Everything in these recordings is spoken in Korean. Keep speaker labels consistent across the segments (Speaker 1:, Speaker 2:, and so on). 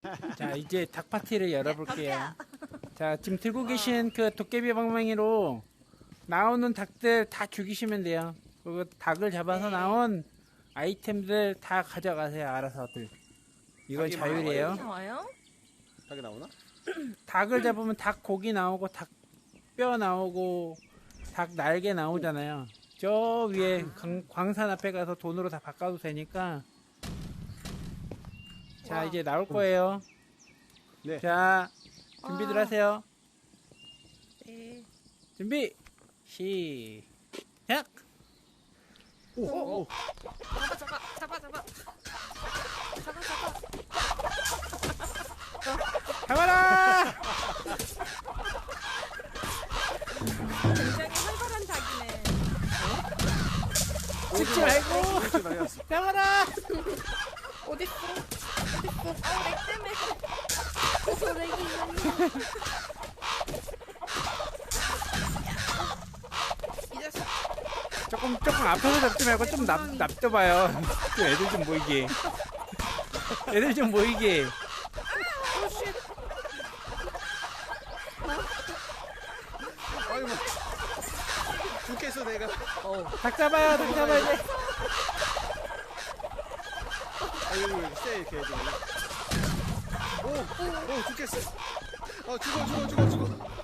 Speaker 1: 자, 이제 닭 파티를 열어볼게요. 자, 지금 들고 계신 그 도깨비 방망이로 나오는 닭들 다 죽이시면 돼요. 그리고 닭을 잡아서 나온 아이템들 다 가져가세요, 알아서들. 이건 자율이에요.
Speaker 2: 나와요?
Speaker 3: 닭이 나오나?
Speaker 1: 닭을 잡으면 닭 고기 나오고, 닭 뼈 나오고, 닭 날개 나오잖아요. 저 위에 광산 앞에 가서 돈으로 다 바꿔도 되니까. 자, 이제 나올 거예요.
Speaker 3: 네.
Speaker 1: 자, 준비들 하세요.
Speaker 2: 네.
Speaker 1: 준비, 시작!
Speaker 3: 오.
Speaker 2: 잡아.
Speaker 1: 잡아라!
Speaker 2: 굉장히 활발한 닭이네.
Speaker 1: 찍지 말고!
Speaker 3: 이렇게 날렸어.
Speaker 1: 잡아라!
Speaker 2: 어딨어? 렉 때문에. 그래서 렉이 이 자식.
Speaker 1: 조금 앞에서 잡지 말고 좀 납둬봐요. 좀 애들 좀 모이게. 애들 좀 모이게.
Speaker 2: 오쉣.
Speaker 3: 아이고. 죽겠어 내가.
Speaker 1: 닭 잡아요, 닭 잡아야 돼.
Speaker 3: 아 여기 쎄 이렇게 해야 돼. 오 죽겠어. 죽어.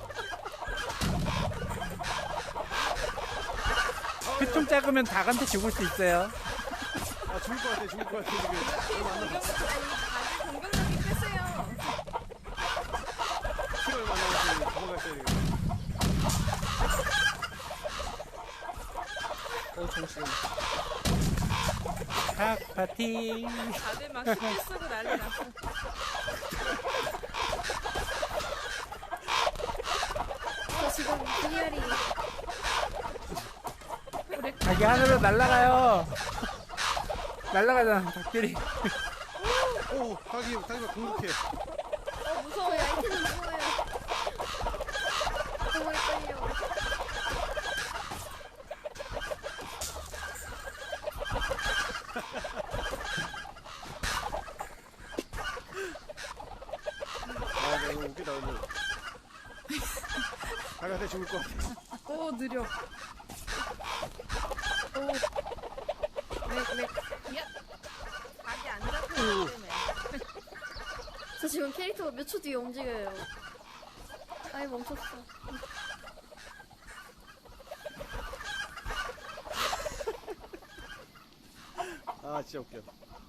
Speaker 1: 좀 작으면 닭한테 죽을 수 있어요.
Speaker 3: 아 죽을 것 같아 지금.
Speaker 2: 닭의 공격력이 세세요.
Speaker 3: 키를 만나서 도망갔어야 돼. 정신.
Speaker 1: 닭 파티.
Speaker 2: 다들 막 스킬 쓰고 난리 났어.
Speaker 4: 저 지금 분열이
Speaker 1: 닭이 하늘로 날아가요. 날아가잖아, 닭들이.
Speaker 3: 오 닭이 공격해.
Speaker 2: 무서워.
Speaker 4: 저희 아이템이 무서워요. 너무 헷갈려.
Speaker 3: 아 너무 웃기다 오늘. 닭한테 죽을 것 같아.
Speaker 2: 오 느려. 오. 렉. 야. 닭이 안 잡히기 때문에.
Speaker 4: 저 지금 캐릭터가 몇 초 뒤에 움직여요. 아예 멈췄어.
Speaker 3: 아 진짜 웃겨.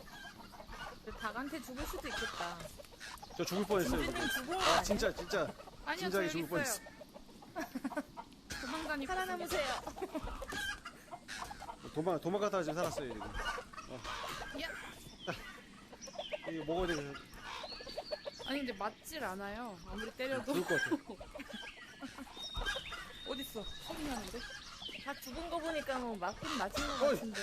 Speaker 2: 닭한테 죽을 수도 있겠다.
Speaker 3: 저 죽을 뻔했어요 지금.
Speaker 2: 진주님 죽은 거
Speaker 3: 아
Speaker 2: 아니야?
Speaker 3: 진짜
Speaker 2: 아니요,
Speaker 3: 진작에
Speaker 2: 저 여기
Speaker 3: 죽을 뻔했어.
Speaker 2: 도망다니.
Speaker 4: 살아남으세요.
Speaker 3: 도망가다가 지금 살았어요 지금.
Speaker 2: 야.
Speaker 3: 이거 먹어야 되겠어.
Speaker 2: 아니 근데 맞질 않아요. 아무리 때려도.
Speaker 3: 죽을 것 같아.
Speaker 2: 어딨어? 소리 나는데? 다 죽은 거 보니까 뭐 맞긴 맞은 거
Speaker 3: 어이.
Speaker 2: 같은데.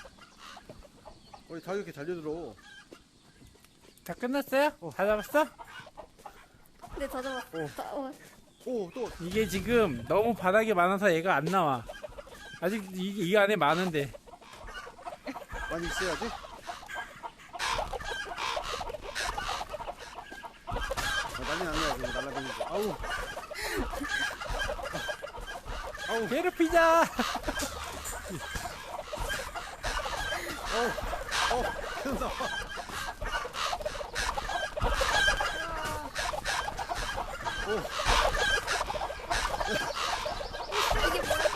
Speaker 3: 닭이 이렇게 달려들어.
Speaker 1: 다 끝났어요? 다 잡았어?
Speaker 4: 네, 다 잡았어.
Speaker 3: 또
Speaker 1: 이게 지금 너무 바닥에 많아서 얘가 안 나와. 아직 이 안에 많은데.
Speaker 3: 많이 있어야지. 난리 났네 지금 날라다니고. 아우
Speaker 1: 괴롭히자!
Speaker 3: 계속 나와.
Speaker 4: 이게 뭐야?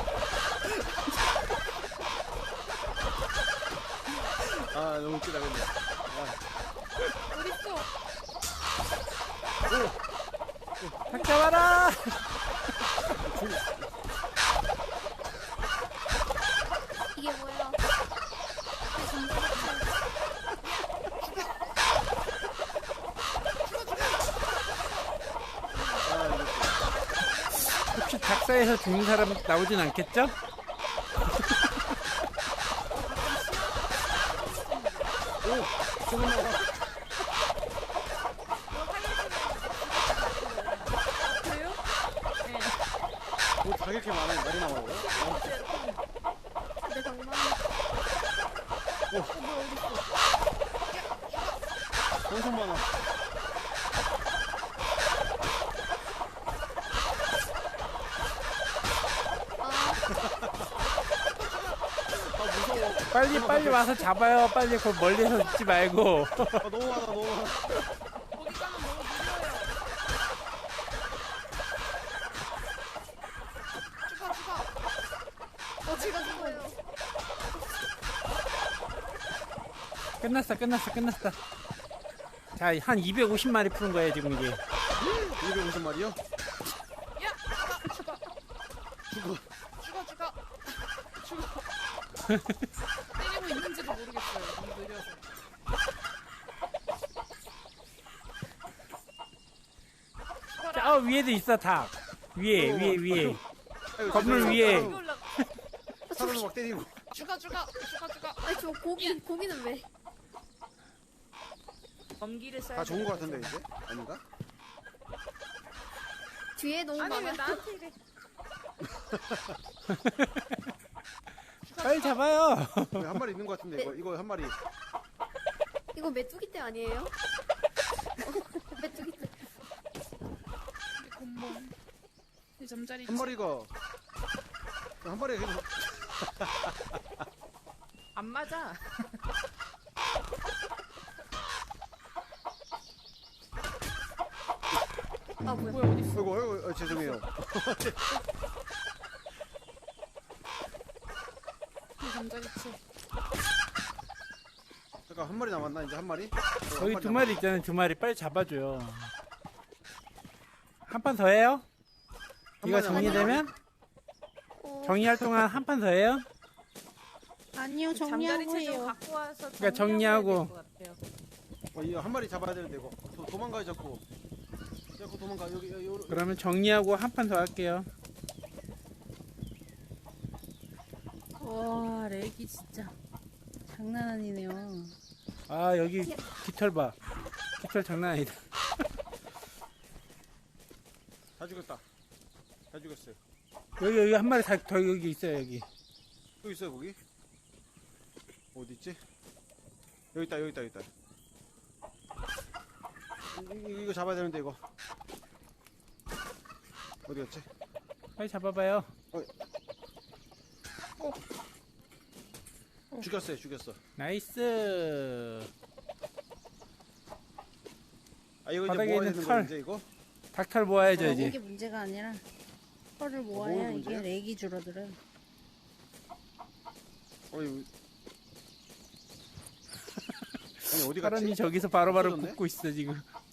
Speaker 3: 아 너무 웃기다 근데.
Speaker 2: 어딨어?
Speaker 1: 닭 잡아라!
Speaker 4: 이게 뭐야?
Speaker 1: 혹시 닭사에서 죽는 사람 나오진 않겠죠?
Speaker 3: 조금 나와.
Speaker 2: 그래요? 네.
Speaker 3: 닭 이렇게 많아요. 많이 나와요.
Speaker 4: 내 방망이.
Speaker 3: 엄청 많아.
Speaker 1: 빨리 와서 잡아요. 빨리 그 멀리서 있지 말고.
Speaker 3: 아, 너무 많아, 너무 많아.
Speaker 2: 거기 가면 너무 느려요. 죽어 죽어.
Speaker 4: 제가 죽어요.
Speaker 1: 끝났어. 자, 한 250마리 푸는 거예요, 지금 이게.
Speaker 3: 250마리요?
Speaker 2: 야 죽어.
Speaker 3: 죽어.
Speaker 2: 때리고 있는지도 모르겠어요. 너무 느려서.
Speaker 1: 자, 위에도 있어, 닭. 위에.
Speaker 3: 아이고,
Speaker 1: 건물
Speaker 3: 죄송해요.
Speaker 1: 위에.
Speaker 2: 여기 올라.
Speaker 3: 사람을 막 때리고.
Speaker 2: 죽어.
Speaker 4: 아니, 저 고기는 왜?
Speaker 2: 검기를 써야
Speaker 3: 다 좋은 거 같은데, 이제? 아닌가?
Speaker 4: 뒤에 너무
Speaker 2: 아니 왜
Speaker 4: 많아.
Speaker 2: 나한테 이래?
Speaker 1: 빨리 잡아요.
Speaker 3: 여기 한 마리 있는 거 같은데, 이거 한 마리.
Speaker 4: 이거 메뚜기 떼 아니에요? 메뚜기 떼.
Speaker 2: 우리 곰몽. 이 잠자리.
Speaker 3: 한 마리가 그냥
Speaker 2: 안 맞아.
Speaker 4: 아, 뭐야.
Speaker 2: 뭐야 어디 있어?
Speaker 3: 아이고, 죄송해요.
Speaker 2: 이 잠자리치.
Speaker 3: 잠깐, 한 마리 남았나, 이제 한 마리?
Speaker 1: 거기 2마리 있잖아요, 2마리. 빨리 잡아줘요. 한 판 더 해요? 이거 정리되면? 정리할 동안 한 판 더 해요?
Speaker 5: 아니요,
Speaker 2: 잠자리치 좀
Speaker 5: 정리하고요.
Speaker 2: 갖고 와서
Speaker 1: 그러니까 정리하고.
Speaker 2: 될것 같아요.
Speaker 3: 이거 한 마리 잡아야 되는데, 이거. 도망가요, 자꾸. 자꾸 도망가, 여기.
Speaker 1: 그러면 정리하고 한 판 더 할게요.
Speaker 5: 와, 렉이 진짜 장난 아니네요.
Speaker 1: 아, 여기 깃털 봐. 깃털 장난 아니다.
Speaker 3: 다 죽였다. 다 죽였어요.
Speaker 1: 여기 한 마리 더 여기 있어요, 여기.
Speaker 3: 또 있어요, 거기? 어디 있지? 여기 있다. 이거 잡아야 되는데, 이거. 어디 갔지?
Speaker 1: 빨리 잡아봐요.
Speaker 3: 죽였어.
Speaker 1: 나이스.
Speaker 3: 아, 이거 이제
Speaker 1: 바닥에
Speaker 3: 모아야
Speaker 1: 있는
Speaker 3: 되는
Speaker 1: 털.
Speaker 3: 거 이제 이거?
Speaker 1: 닭털 모아야죠,
Speaker 5: 이게
Speaker 1: 이제.
Speaker 5: 문제가 아니라 털을 모아야
Speaker 3: 뭐가
Speaker 5: 이게
Speaker 3: 문제야?
Speaker 5: 렉이 줄어들어요.
Speaker 3: 아니, 어디 갔지?
Speaker 1: 사람이 저기서 바로바로
Speaker 3: 없어졌네?
Speaker 1: 굽고 있어, 지금.